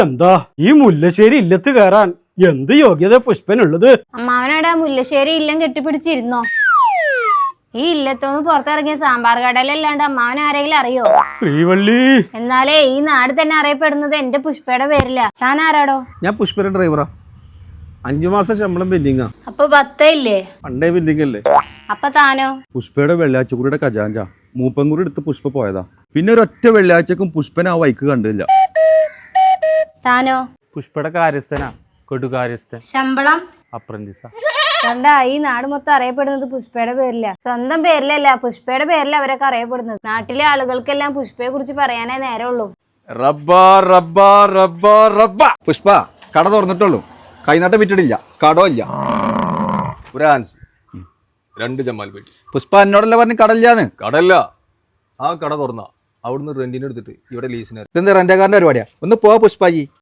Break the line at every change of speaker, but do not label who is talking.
എന്താ ഈ മുല്ലശ്ശേരി ഇല്ലത്ത് കയറാൻ എന്ത് യോഗ്യത പുഷ്പനുള്ളത്?
അമ്മാവനടാ മുല്ലശ്ശേരി ഇല്ലം കെട്ടിപ്പിടിച്ചിരുന്നോ? ഈ ഇല്ലത്തൊന്ന് പുറത്തിറങ്ങിയ സാമ്പാർ കടലല്ലാണ്ട് അമ്മാവൻ ആരെങ്കിലും അറിയോ?
ശ്രീവള്ളി.
എന്നാലേ ഈ നാട് തന്നെ അറിയപ്പെടുന്നത് എന്റെ പുഷ്പയുടെ പേരില്ല. താൻ ആരാടോ?
ഞാൻ പുഷ്പയുടെ ഡ്രൈവറാ. 5 മാസം ശമ്പളം പെൻഡിങ്ങാ.
അപ്പൊ 10 ഇല്ലേ?
പണ്ടേ പെൻഡിങ് അല്ലേ.
അപ്പൊ താനോ?
പുഷ്പയുടെ വെള്ളിയാഴ്ചക്കുറിയുടെ ഖജാഞ്ച മൂപ്പൻകുറി എടുത്ത് പുഷ്പ പോയതാ. പിന്നെ ഒരൊറ്റ വെള്ളിയാഴ്ചക്കും പുഷ്പനെ ആ വൈക്ക് കണ്ടില്ല.
താനോ?
പുഷ്പയുടെ കാര്യസ്ഥനാ. കൊടുകാര്യസ്ഥൻ.
ശമ്പളം?
അപ്രന്റീസാ.
കണ്ടാ, ഈ നാട് മൊത്തം അറിയപ്പെടുന്നത് പുഷ്പയുടെ പേരില്ല. സ്വന്തം പേരിലല്ല, പുഷ്പയുടെ പേരില അവരൊക്കെ അറിയപ്പെടുന്നത്. നാട്ടിലെ ആളുകൾക്കെല്ലാം പുഷ്പയെ കുറിച്ച് പറയാനേ നേരമുള്ളൂ.
പുഷ്പ കട തുറന്നിട്ടുള്ളൂ, കൈനാട്ടം വിറ്റിട്ടില്ല, കടോ ഇല്ല.
ഒരു ആൻസ് 2 ജമാൽ പേട്ടി.
പുഷ്പ എന്നോടല്ല പറഞ്ഞ് കടയില്ലാന്ന്.
കടല്ല, ആ കട തുറന്ന അവിടുന്ന് റെന്റിന് എടുത്തിട്ട് ഇവിടെ ലീസിന്.
ഇതെന്താ റെന്റക്കാരന്റെ പരിപാടിയാ? ഒന്ന് പോവാ പുഷ്പാജി.